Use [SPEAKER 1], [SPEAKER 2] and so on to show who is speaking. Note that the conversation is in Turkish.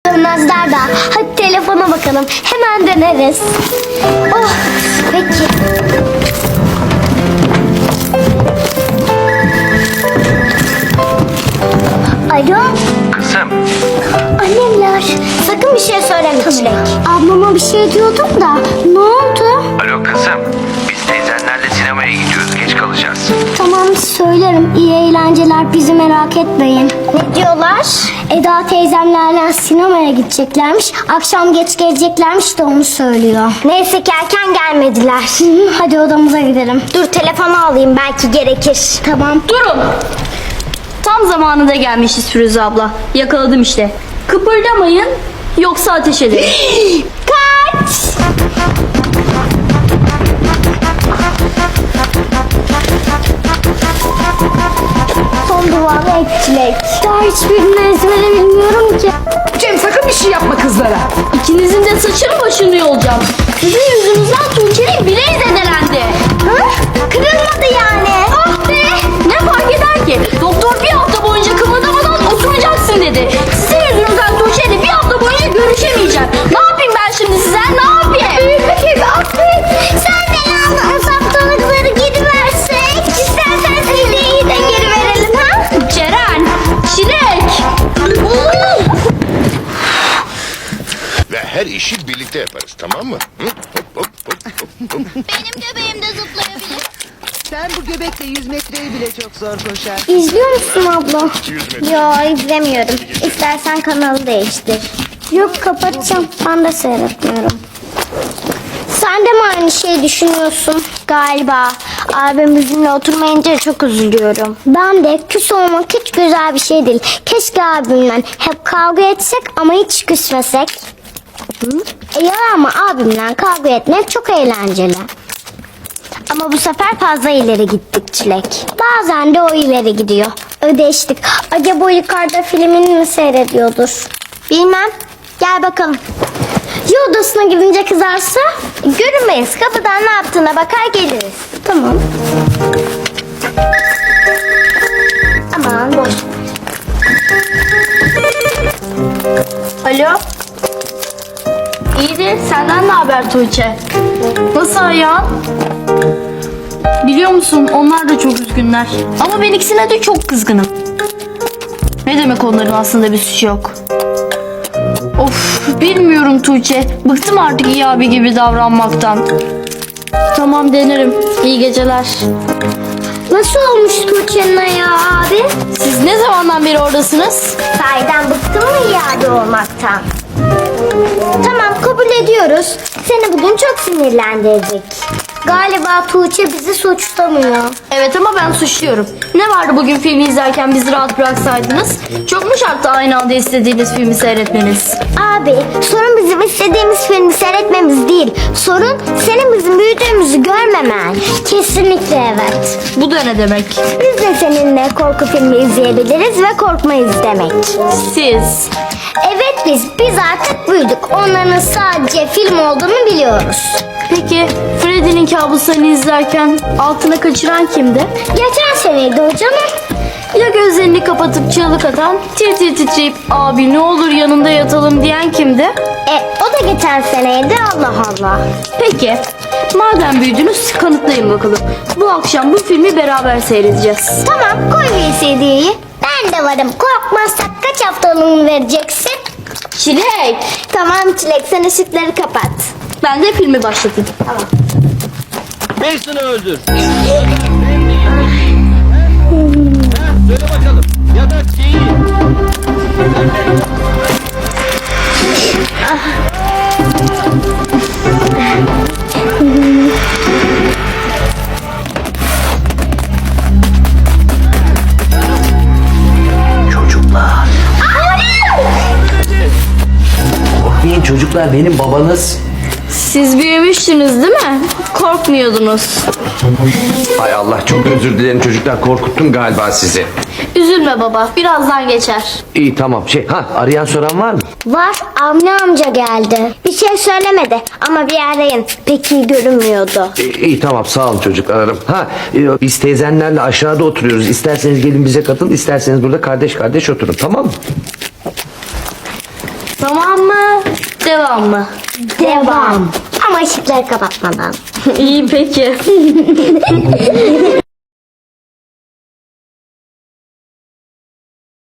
[SPEAKER 1] dönmezler daha. Hadi telefona bakalım. Hemen döneriz. Oh, peki. Alo.
[SPEAKER 2] Kızım.
[SPEAKER 1] Annemler. Sakın bir şey söyleme Çilek. Ablama bir şey diyordum da. Ne oldu?
[SPEAKER 2] Alo kızım. Biz teyzenlerle sinemaya gidiyoruz. Geç kalacağız.
[SPEAKER 1] Tamam söylerim. İyi eğlenceler. Bizi merak etmeyin. Ne diyorlar? Eda teyzemlerle sinemaya gideceklermiş. Akşam geç geleceklermiş de onu söylüyor. Neyse ki erken gelmediler. Hadi odamıza gidelim. Dur telefonu alayım belki gerekir. Tamam.
[SPEAKER 3] Durun. Tam zamanında gelmişiz Firuze abla. Yakaladım işte. Kıpırdamayın yoksa ateş ederim.
[SPEAKER 1] Kaç! Son duvarı etçilek. Daha hiçbirini ezbere bilmiyorum ki.
[SPEAKER 4] Cem sakın bir şey yapma kızlara.
[SPEAKER 3] İkinizin de saçını başını yolacağım. Sizin yüzünüzden Tuğçe'nin bileği zedelendi.
[SPEAKER 1] Hı? Kırılmadı yani.
[SPEAKER 3] Ah be! Ne fark eder ki? Doktor bir hafta boyunca kımıldamadan oturacaksın dedi. Sizin yüzünüzden Tuğçe'yle bir hafta boyunca görüşemeyeceğim. Ne yapayım ben şimdi size? Ne yapayım?
[SPEAKER 1] Büyük bir affet. Sen de yalnız haftalıkları geri versek. İstersen sineği de geri verelim ha?
[SPEAKER 3] Ceren! Çilek!
[SPEAKER 5] Ve her işi birlikte yaparız, tamam mı? Hı? Hop, hop, hop, hop, hop.
[SPEAKER 1] Benim göbeğim de zıplayabilir.
[SPEAKER 4] Sen bu göbekle 100 metreyi bile çok zor koşar.
[SPEAKER 1] İzliyor musun abla?
[SPEAKER 5] 100 metre.
[SPEAKER 1] Yo izlemiyorum. İstersen kanalı değiştir. Yok kapatacağım. Ben de seyretmiyorum. Sen de mi aynı şeyi düşünüyorsun? Galiba. Abim bizimle oturmayınca çok üzülüyorum. Ben de küs olmak hiç güzel bir şey değil. Keşke abimle hep kavga etsek ama hiç küsmesek. Ya ama abimle kavga etmek çok eğlenceli. Ama bu sefer fazla ileri gittik Çilek. Bazen de o ileri gidiyor. Ödeştik. Acaba o yukarıda filmini mi seyrediyordur? Bilmem. Gel bakalım. Ya odasına gidince kızarsa? Görünmeyiz. Kapıdan ne yaptığına bakar geliriz. Tamam. Aman boş.
[SPEAKER 3] Alo? İyidir. Senden ne haber Tuğçe? Nasıl ayağın? Biliyor musun onlar da çok üzgünler. Ama ben ikisine de çok kızgınım. Ne demek onların aslında bir suçu yok. Of bilmiyorum Tuğçe. Bıktım artık iyi abi gibi davranmaktan. Tamam denerim. İyi geceler.
[SPEAKER 1] Nasıl olmuş Tuğçe'nin ayağı abi?
[SPEAKER 3] Siz ne zamandan beri oradasınız?
[SPEAKER 1] Sahiden bıktın mı iade olmaktan? Tamam kabul ediyoruz. Seni bugün çok sinirlendirecek. Galiba Tuğçe bizi suçlamıyor.
[SPEAKER 3] Evet ama ben suçluyorum. Ne vardı bugün filmi izlerken bizi rahat bıraksaydınız? Çok mu şarttı aynı anda istediğiniz filmi seyretmeniz?
[SPEAKER 1] Abi sorun bizim istediğimiz filmi seyretmemiz değil. Sorun senin bizim büyüdüğümüzü görmemen. Kesinlikle evet.
[SPEAKER 3] Bu da ne demek?
[SPEAKER 1] Biz de seninle korku filmi izleyebiliriz ve korkmayız demek.
[SPEAKER 3] Siz.
[SPEAKER 1] Evet biz artık büyüdük. Onların sadece film olduğunu biliyoruz.
[SPEAKER 3] Peki Freddy'nin kabuslarını izlerken altına kaçıran kimdi?
[SPEAKER 1] Geçen seneydi o canım.
[SPEAKER 3] Ya gözlerini kapatıp çığlık atan, tir tir titreyip abi ne olur yanında yatalım diyen kimdi?
[SPEAKER 1] O da geçen seneydi Allah Allah.
[SPEAKER 3] Peki madem büyüdünüz kanıtlayın bakalım. Bu akşam bu filmi beraber seyredeceğiz.
[SPEAKER 1] Tamam koy VCD'yi. Ben de varım. Korkmazsak kaç haftalığını vereceksin?
[SPEAKER 3] Çilek.
[SPEAKER 1] Tamam Çilek sen ışıkları kapat.
[SPEAKER 3] Ben de filmi başlatayım.
[SPEAKER 1] Tamam.
[SPEAKER 6] Mason'ı öldür. Söyle bakalım. Ya da şeyi.
[SPEAKER 2] Çocuklar. Korkmayın çocuklar, benim babanız.
[SPEAKER 3] Siz büyümüşsünüz değil mi? Korkmuyordunuz.
[SPEAKER 2] Ay Allah, çok özür dilerim çocuklar, korkuttum galiba sizi.
[SPEAKER 3] Üzülme baba birazdan geçer.
[SPEAKER 2] İyi tamam, arayan soran var mı?
[SPEAKER 1] Var Avni amca geldi. Bir şey söylemedi ama bir arayın. Pek iyi görünmüyordu.
[SPEAKER 2] İyi tamam, sağ olun çocuk, ararım. Biz teyzenlerle aşağıda oturuyoruz. İsterseniz gelin bize katılın, isterseniz burada kardeş kardeş oturun, tamam mı?
[SPEAKER 3] Roman mı? Devam mı?
[SPEAKER 1] Devam. Ama ışıkları kapatmadan.
[SPEAKER 3] İyi peki.